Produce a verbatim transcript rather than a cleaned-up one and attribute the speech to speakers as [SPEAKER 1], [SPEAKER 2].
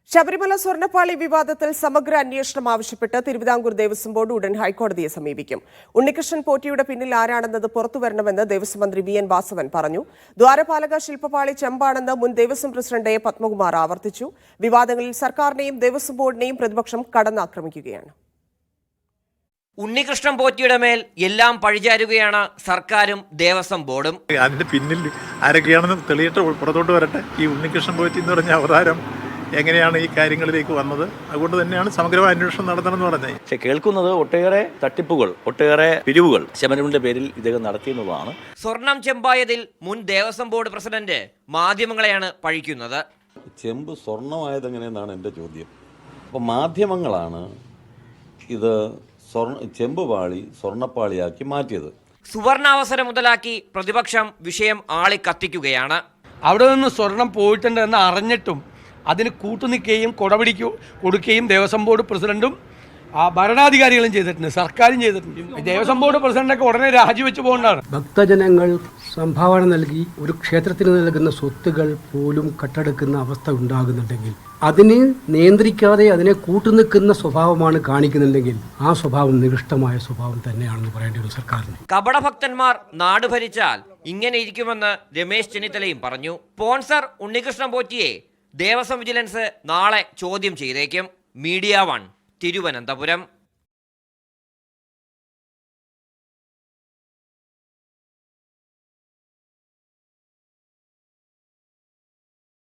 [SPEAKER 1] ശബരിമല സ്വർണ്ണപ്പാളി വിവാദത്തിൽ സമഗ്ര അന്വേഷണം ആവശ്യപ്പെട്ട് തിരുവിതാംകൂർ ദേവസ്വം ബോർഡ് ഉടൻ ഹൈക്കോടതിയെ സമീപിക്കും. ഉണ്ണികൃഷ്ണൻ പോറ്റിയുടെ പിന്നിൽ ആരാണെന്നത് പുറത്തുവരണമെന്ന് ദേവസ്വം മന്ത്രി വി എൻ വാസവൻ പറഞ്ഞു. ദ്വാരപാലക ശില്പപാളി ചെമ്പാണെന്ന് മുൻ ദേവസ്വം പ്രസിഡന്റ് എ പത്മകുമാർ ആവർത്തിച്ചു. വിവാദങ്ങളിൽ സർക്കാരിനെയും ദേവസ്വം ബോർഡിനെയും പ്രതിപക്ഷം കടന്നാക്രമിക്കുകയാണ്.
[SPEAKER 2] ഉണ്ണികൃഷ്ണൻ പോറ്റിയുടെ മേൽ എല്ലാം പഴിചാരുകയാണ് സർക്കാരും ദേവസ്വം ബോർഡും.
[SPEAKER 3] അതിന്റെ പിന്നിൽ ആരൊക്കെയാണെന്ന് തെളിയിട്ട് പുറത്തോട്ട് വരട്ടെ. ഈ ഉണ്ണികൃഷ്ണൻ പോറ്റി എന്ന് പറഞ്ഞ അവതാരം എങ്ങനെയാണ് ഈ കാര്യങ്ങളിലേക്ക് വന്നത്? അതുകൊണ്ട് തന്നെയാണ് സമഗ്രമായ അന്വേഷണം നടത്തണമെന്ന് പറഞ്ഞത്.
[SPEAKER 4] പക്ഷെ കേൾക്കുന്നത് ഒട്ടേറെ തട്ടിപ്പുകൾ, ഒട്ടേറെ പിരിവുകൾ ശബരിമലയുടെ പേരിൽ ഇദ്ദേഹം നടത്തിയെന്നുള്ളതാണ്.
[SPEAKER 2] സ്വർണം ചെമ്പായതിൽ മുൻ ദേവസ്വം ബോർഡ് പ്രസിഡന്റ് മാധ്യമങ്ങളെയാണ് പഴിക്കുന്നത്.
[SPEAKER 5] ചെമ്പ് സ്വർണമായതെങ്ങനെയെന്നാണ് എൻ്റെ ചോദ്യം. അപ്പോൾ മാധ്യമങ്ങളാണ് ഇത് സ്വർണ്ണ ചെമ്പ് പാളി സ്വർണ്ണപ്പാളിയാക്കി മാറ്റിയത്.
[SPEAKER 2] സുവർണാവസരം മുതലാക്കി പ്രതിപക്ഷം വിഷയം ആളി കത്തിക്കുകയാണ്.
[SPEAKER 6] അവിടെ നിന്ന് സ്വർണം പോയിട്ടുണ്ട് എന്ന് അറിഞ്ഞിട്ടും അതിന് കൂട്ടുനിൽക്കുകയും കൊടപിടിക്കു കൊടുക്കുകയും ദേവസ്വം ബോർഡ് പ്രസിഡന്റും ആ ഭരണാധികാരികളും ചെയ്തിട്ടുണ്ട്, സർക്കാരും ചെയ്തിട്ടുണ്ട്. ദേവസ്വം ബോർഡ് പ്രസിഡന്റൊക്കെ ഉടനെ രാജിവെച്ച് പോകേണ്ടതാണ്.
[SPEAKER 7] ഭക്തജനങ്ങൾ സംഭാവന നൽകി ഒരു ക്ഷേത്രത്തിന് നൽകുന്ന സ്വത്തുകൾ പോലും കട്ടെടുക്കുന്ന അവസ്ഥ ഉണ്ടാകുന്നുണ്ടെങ്കിൽ അതിനെ നിയന്ത്രിക്കാതെ അതിനെ കൂട്ടുനിൽക്കുന്ന സ്വഭാവമാണ് കാണിക്കുന്നുണ്ടെങ്കിൽ ആ സ്വഭാവം നികൃഷ്ടമായ സ്വഭാവം തന്നെയാണെന്ന് പറയേണ്ടി വരും സർക്കാരിന്.
[SPEAKER 2] കപടഭക്തന്മാർ നാട് ഭരിച്ചാൽ ഇങ്ങനെ ഇരിക്കുമെന്ന് രമേശ് ചെന്നിത്തലയും പറഞ്ഞു. സ്പോൺസർ ഉണ്ണികൃഷ്ണൻ പോറ്റിയെ ദേവസ്വം വിജിലൻസ് നാളെ ചോദ്യം ചെയ്തേക്കും. Media one, Thiruvananthapuram.